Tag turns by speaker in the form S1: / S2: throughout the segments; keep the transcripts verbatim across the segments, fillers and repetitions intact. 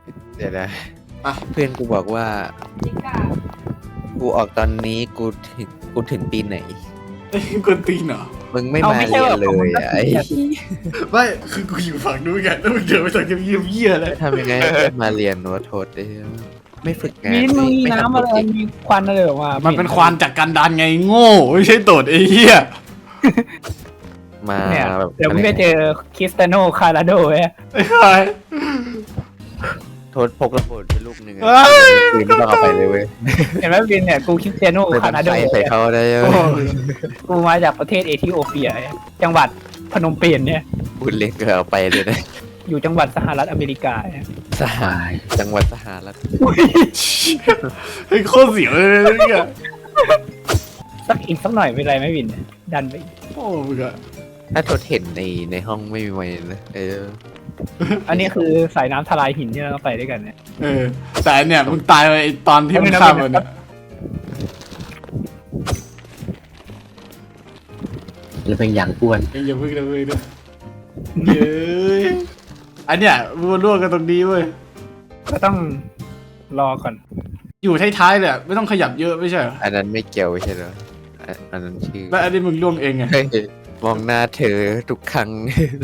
S1: เดี๋ยวนะ
S2: อ่ะ
S1: เพื่อนกูบอกว่า กูออกตอนนี้กูถึงกูถึงปีไหน
S2: ไอ้กวนตีนเหรอ
S1: มึงไม่มาเรียนเลยอะไอ้
S2: ไม่คือกูอยู่ฝั่งนู้นไงแล้วมึงเดินไปทางเยี่ยมเยี่ยเลย
S1: ทำยังไงให้เพื่อนมาเรียนวะโทษไอ้ไม่ฝึกงาน
S3: มีมึงมี
S1: ไม่
S3: น้ำอะไร
S1: ทำจริง
S3: มีควันอะไรออกมา
S2: มั
S3: มัน
S2: เป็นควานจากกันดานไงโง่ไม่ใช่โดดไอ้เหี้ย
S1: มา
S3: เนี่ย
S1: แบบ
S3: เดี๋ยวมึงได้เจอคริสเตยโนคาราโดเว้ย
S2: ไอ้ใคร
S1: โทษพกระเบิดไปลูกหนึ่งอะ
S2: เอ้ย
S1: ปืนไม่ต้องเอาไปเลยเว้ย
S3: เห็นไหมบินเนี่ยกูคริสเตยโน
S1: ไป
S3: คา
S1: บั
S3: ราน โด
S1: ไฟใส่เขาได้
S2: โอ้
S1: เว้ย
S2: ย
S3: กูมาจากประเทศเอธิโอเปีย จังหวัดพนมเปญเนี่ย
S1: พูดเล็กก็เอาไปเลยนะ
S3: อยู่จังหวัดสหรัฐอเมริกาเนี่ย
S1: สหายจังหวัดสหรัฐ
S2: ไอ้โคตรเสียวเลยเนี่ย
S3: สักอีกสักหน่อยเป็นไรไหมบิน ดันไปอีก
S2: โอ้มึงอะ
S1: ถ้าโทษเห็นในในห้องไม่มีไว้นะเออ
S3: อันนี้คือสายน้ำทลายหินที่เราไปด้วยกันเนี่ย
S2: เออแต่อันเนี่ยมึงตายไปไอ้ตอนที่มึงข้ามมันอะ
S4: แล้วเป็นอย่างอ้วน
S2: เอ้ยอย่าพึ่งนะเว้ยนะเย้ยอันเนี้ยมึงมาร่วมกันตรงนี้เว้ย
S3: ก็ต้องรอก่อน
S2: อยู่ท้ายๆเลยอะไม่ต้องขยับเยอะไม่ใช่เหรอ
S1: อันนั้นไม่เกี่ยวใช่เหรออันอันนั้นชื่อ
S2: แล้วอันนี้มึงร่วมเองไง
S1: เฮ้ยมองหน้าเธอทุกครั้ง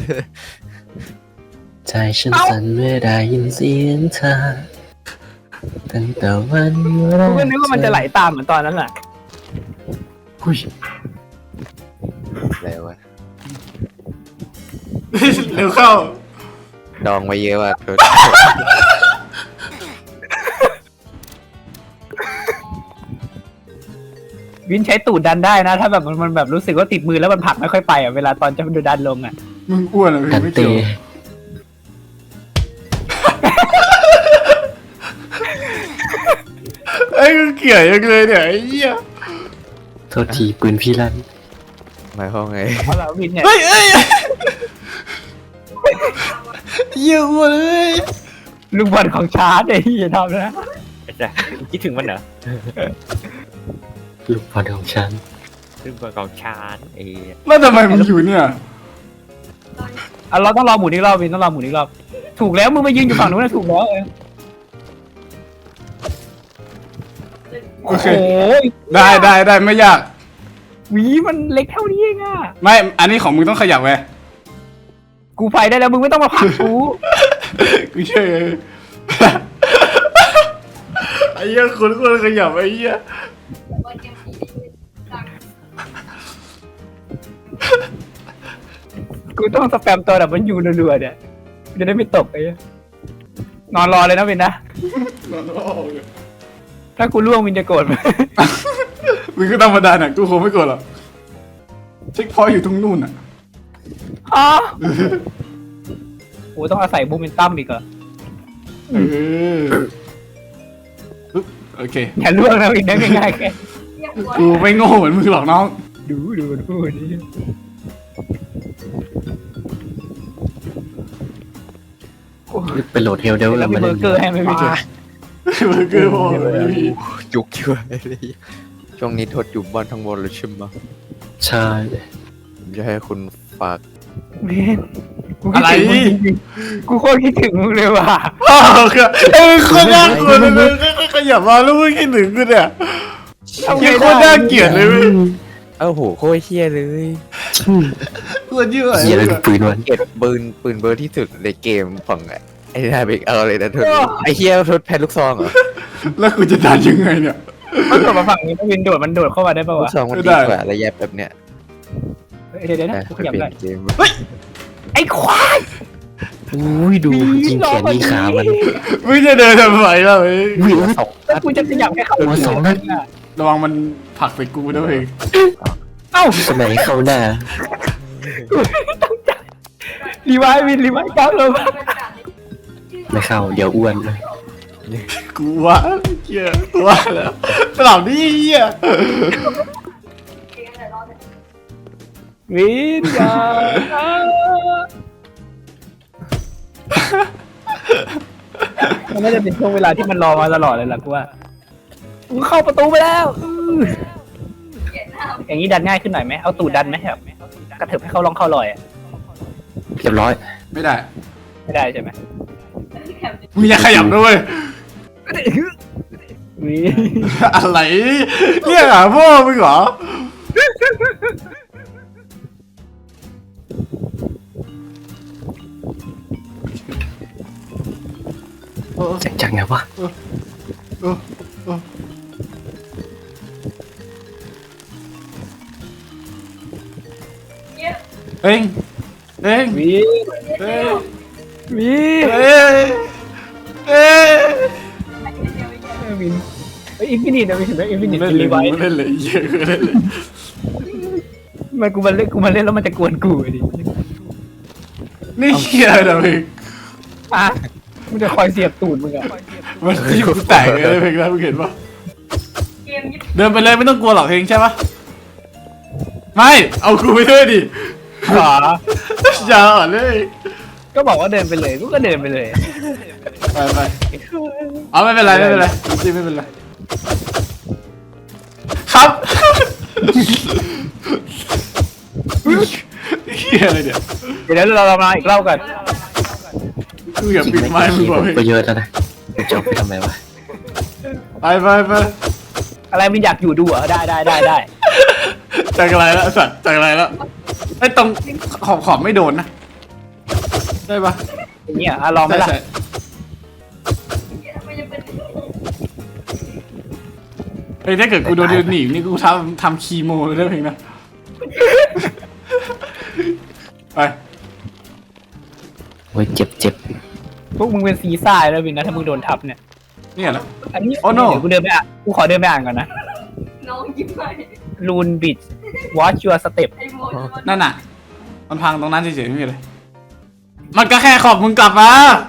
S4: ใจฉันสั่นเมื่อได้ยินเสียงเธอตั้งแต่วันแร
S3: กูก็นึกว่ามันจะไหลตามเหมือนตอนนั้นแหละ
S4: อุ้ย
S1: อะไรวะ
S2: เร็วเข้า
S1: ดองไว้เยอะว่ะโทษ
S3: วินใช้ตูดดันได้นะ ถ้าแบบมันมันแบบรู้สึกว่าติดมือแล้วมันผลักไม่ค่อยไปอ่ะเวลาตอนจะดูดันลงอ่ะ
S2: มึงอ้วนอะมึง
S4: กัน
S2: ไม่
S4: เต
S2: เกี่ยวไอ้กูเกลียดยังเลยเนี่ยไอ้เหี้ย
S4: โทษทีปืนพี่ลั่น
S1: หมายความไง
S3: เพราะเราวินเนี่ย
S2: เฮ้ยเอ้ยเหี้ยอ้วนเลย
S3: ลูกบอลของชาร์จไอ้ที่จะทำนะ
S5: คิดถึงมันเหรอ
S4: ลูกบอลของฉัน
S5: ซึ่งเป็นกองชานไอ้
S2: แล้วทำไมมึงอยู่เนี่ย
S3: อ่ะเราต้องรอหมุนอีกรอบวินต้องรอหมุนอีกรอบถูกแล้วมึงมายืนอยู่ฝั่งนู้นนะถูกแล้วเออ
S2: โอ
S3: โอ้
S2: เค
S3: โห
S2: ได้ได้ได้ไม่ยาก
S3: หวีมันเล็กเท่านี้เองอ่ะ
S2: ไม่อันนี้ของมึงต้องขยับไง
S3: กูไปได้แล้วมึงไม่ต้องมาผลักกู
S2: กูเชื่อไอ้เหี้ยคนคนขยับไอ้เหี้ย
S3: กูต้องสแปมตัวแบบมันอยู่รัวๆเนี่ยจะได้ไม่ตกไอ้เหี้ยนอนรอเลยนะวินนะ
S2: นอนออกเลย
S3: ถ้ากูล่วงวินจะโกรธไหม
S2: มึงก็ธรรมดาน่ะกูคงไม่กดหรอกเช็คพอยต์อยู่ตรงนู่นอ่ะ
S3: อ๋อโหต้องอาศัยโมเมนตัมอีกเหรอ
S2: เออปึ๊บโอเค
S3: อย่าล่วงนะวินได้ง่ายๆแค่
S2: กูไม่โง่เหมือนมึงหรอกน้อง
S3: ดูดูมันพูดดิ
S4: ไปโหลดเฮลเดล
S3: แล้วมี
S4: มา
S3: เบ
S4: เล่
S3: อน ร์เกอร์ให้ไหมวิน
S2: เบอร์เกอร์พอไม่มี
S1: จุกช่วยเลยช่วงนี้โทษอยู่บ้านทั้งบนเลยใช่ไหม
S4: ใช่
S1: ผมจะให้คุณฝาก
S3: วินกูคิดถึงมึงจริงๆกูโคตรคิดถึงมึงเลยว่ะ
S2: อ้าวคือเอ้ยคนน่ากลัวเลยก็ขยับมาแล้วมึงคิดถึงกูเนี่ย
S3: ทำไง
S2: ยังโค
S3: ได้
S2: ตรน่าเกลียดเลยเว้ย
S1: เอ้าโหโคตรเฮี้ยเลย
S2: โคตรเยื่อ
S4: เหี้ยอะไรกับปืนวัน
S1: เก็บปืนปืนเบอร์ที่สุดในเกมของไอ้นาเบกเอาเลยนะโทษไอ้เฮี้ยโทษแพ้ลูกซองเหรอ
S2: แล้วกูจะดันยังไงเนี่ย
S3: มันโดดมาฝั่งนี้ถ้าวินโดดมันโดดเข้ามาได้ป่าว
S1: ลู
S3: วะ
S1: กซองมัน
S2: ไม่
S1: ดี
S2: ได้
S1: กว่าระยะแบบเนี้ย
S3: เฮ้ยเดี๋ยวเดี๋ยวนะ
S1: นะ
S3: กู
S1: ไป
S3: ขยับ
S1: เปลี่ย
S3: ได้
S1: นเกม
S3: ไอ้ควาย
S4: อุ้ยดูยิงแขนยิงขามัน
S2: มึงจะเดินทำไมล่ะเว้ย
S4: วิ่งสอง
S3: แล้วกูจะขยับแค่เข้า
S4: หัวสองนัด
S2: ระวังมันผลักใส่กูด้วย
S3: เอ้า
S4: สมัยเข้าหน้า
S3: รีไวล์วินรีไวล์ก้าวลงมา
S4: ไม่เข้าเดี๋ยวอ้วน
S2: กูว่าเหี้ยกูว่าแล้วตลับนี่เหี้ย
S3: วินอย่ามันน่าจะเป็นช่วงเวลาที่มันรอมาตลอดเลยล่ะกูว่ากูเข้าประตูไปแล้วอื้ออย่างนี้ดันง่ายขึ้นหน่อยไหมเอาตูดดันไหมแบบกระเถิบให้เขาลองเข้าลอยอะ
S4: เรียบร้อย
S2: ไม่ได้
S3: ไม่ได้ใช่ไหม
S2: มึงอย่าขยับด้วย
S3: วิ
S2: อะไรเรียกหาพ่อมึงเหรอ
S4: จากจากไหนวะ
S2: เออเออเอ้งเอ้ง
S3: วิ
S2: เอ้ง
S3: วิ
S2: เอ้ยเอ้ย
S3: วินไอ้อินฟินิตนะวินเห็นไหมอินฟินิต
S2: เล่นเลย
S3: รีไวท์
S2: เล่นเลยเยอะเล่นเลย
S3: มันกูมาเล่นกูมาเล่นแล้วมันจะกวนกูดิ
S2: นี่เฮียนะมึง
S3: อ่ะมันจะคอยเสียบตูดมึงอะ
S2: มันที่กูแตกเลยเพลงนั้นมึงเห็นปะเดินไปเลยไม่ต้องกลัวหรอกเพลงใช่ปะไม่เอากูไปด้วยดิ
S3: หรอ
S2: อย่าอ่อนเลย
S3: ก็บอกว่าเดินไปเลยกูก็เดินไปเลย
S2: ไปไปเอาไม่เป็นไรไม่เป็นไรจริงไม่เป็นไรครับเฮียอะไรเนี่ย
S3: เดี๋ยวเราเรามาอีกรอบกัน
S2: กูอย่า
S4: จริง
S2: ปิด
S4: ไหม
S2: ไม้มึงบอก
S4: ก็เยอะแล้วนะจะเอาไปทำไมวะ
S2: ไปไปไป
S3: อะไรมันอยากอยู่ดูเหรอได้ได้ได้ได้
S2: จากอะไรแล้วสัตว์จากอะไรแล้วไอ้ตรงขอบขอบไม่โดนนะได้ปะ
S3: อย่างเงี้ยอ่ะลองไหมล่ะ
S2: ใช่เฮ้ยถ้าเกิดกูโดนเดินหนีนี่กูทำทำคีโมเลยได้เพลงนะไป
S4: โอ้ยเจ็บเจ็บ
S3: พวกมึงเป็นซีซ่าแล้ววินนะถ้ามึงโดนทับเนี่ย
S2: เนี่ยแหละ
S3: อันนี้
S2: Oh no
S3: เดี๋ยวกูเดินไปอ่ะกูขอเดินไปอ่านก่อนนะ
S6: น้องยิ้มไป
S3: ลูนบิด watch your step
S6: ไอ้โมด
S2: นั่นน่ะ มันพังตรงนั้นเฉยๆไม่มีอะไรมันก็แค่ขอบมึงกลับมา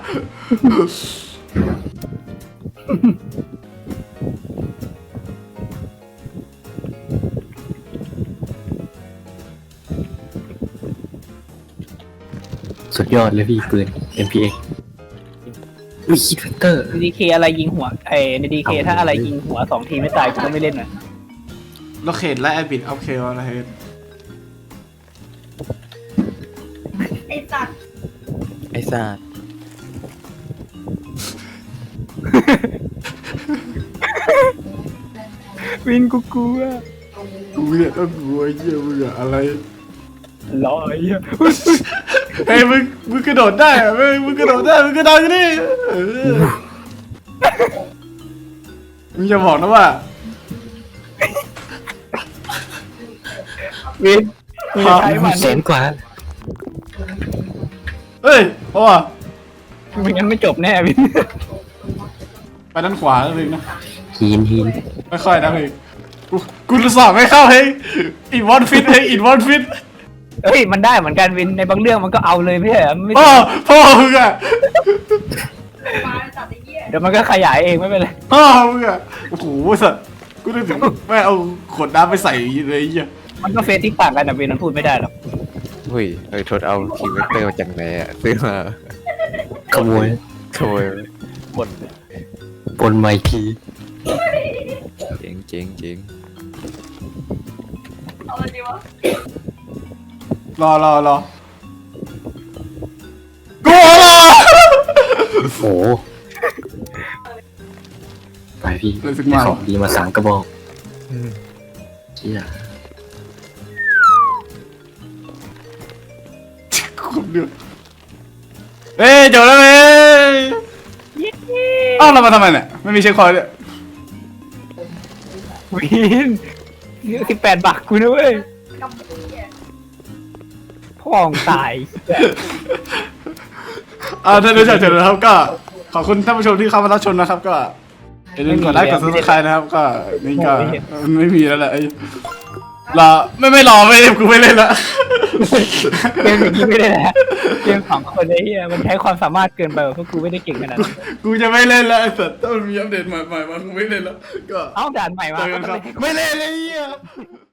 S4: สุดยอดเลยพี่ปืน เอ็ม พี เอ็กซ์ อุ้ยคิดเฟกเตอร์
S3: ในดีเคอะไรยิงหัวไอ้ในดีเคถ้าอะไรยิงหัวสองทีไม่ตายกูก็ไม่เล่นนะ
S2: โลเคทและแอบิดเอาเคอะไร
S6: ไอ้สัตว์
S1: ไอ้ซ่า
S3: วินกูกลัว
S2: กูเนี่ยต้องกลัวไอ้เหี้ยมึงอะอะไร
S3: ลอยอ่ะ
S2: เฮ้ยมึงมึงกระโดดได้อะมึงมึงกระโดดได้มึงกระโดดกันดิเออมึงจะบอกนะว่า
S3: วินมึงจะใช้มัน
S4: แสนกว่า
S2: เฮ้ยเพราะว่า
S3: ไม่งั้นไม่จบแน่วิน
S2: ไปด้านขวาแล้วเลยนะ
S4: ฮีนฮีน
S2: ค่อยๆนะเฮ้ยกูกูสอบไม่เข้าเฮ้ยอินวอนฟิตเฮ้ยอินวอนฟิต
S3: เฮ้ยมันได้เหมือนกันวินในบางเรื่องมันก็เอาเลยไม่ใช่เหรอไม่
S2: พ่อพ่อมึงอะ
S6: มาสัตว์ไอ้เหี้ย
S3: เดี๋ยวมันก็ขยายเองไม่เป็นไร
S2: พ่อมึงอะโอ้โหสัตว์กูนึกถึงแม่เอาขวดน้ำไปใส่เลยไอ้เหี้ย
S3: มันก็เฟซที่ต่างกันแต่วินมันพูดไม่ได้หรอก
S1: เฮ้ยเฮ้ยทดเอาทีเวกเตอร์มาจากไหนอ่ะซื้อมา
S4: ขโมย
S1: โชย
S3: บน
S4: ปนไมที
S1: เจ๋งเจ๋งเจ๋ง
S6: เอาอะไรดีวะ
S2: รอรอรอกูรอ
S4: โอ้โหไปพี่
S2: เลยสึก
S4: ได้
S2: มา
S4: ของดีมาสามกระบอกเชี่ย
S2: คุ้มเดือดเอ้ยจบแล้วเว้ยเอ้าเรามาทำไมเนี่ยไม่มีเช็คคอยด้วย
S3: วินสิบแปดบาทกูนะเว้ย
S6: กำเหี้ย
S3: พ่อของตาย
S2: อ่าท่านผู้ชมเสร็จแล้วครับก็ขอบคุณท่านผู้ชมที่เข้ามารับชมนะครับ ก็อย่าลืมกดไลค์กดซับสไครต์นะครับ ก็นี่ก็ไม่มีแล้วแหละไอ้รอไม่ไม่รอไม่กูไม่เล่นละ
S3: เกมอย่างนี้ไม่ได้แหละเกมสองคนไอ้เหี้ยมันใช้ความสามารถเกินไปว่ะเพราะกูไม่ได้เก่งขนาดนั้น
S2: กูจะไม่เล่นแล้วไอ้สัตว์ถ้ามันมีอัปเดตใหม่ๆมากูไม่เล่นแล้วก็
S3: เอ้าด่านใหม่มา
S2: เจอกันครับไม่เล่นเลยไอ้เหี้ย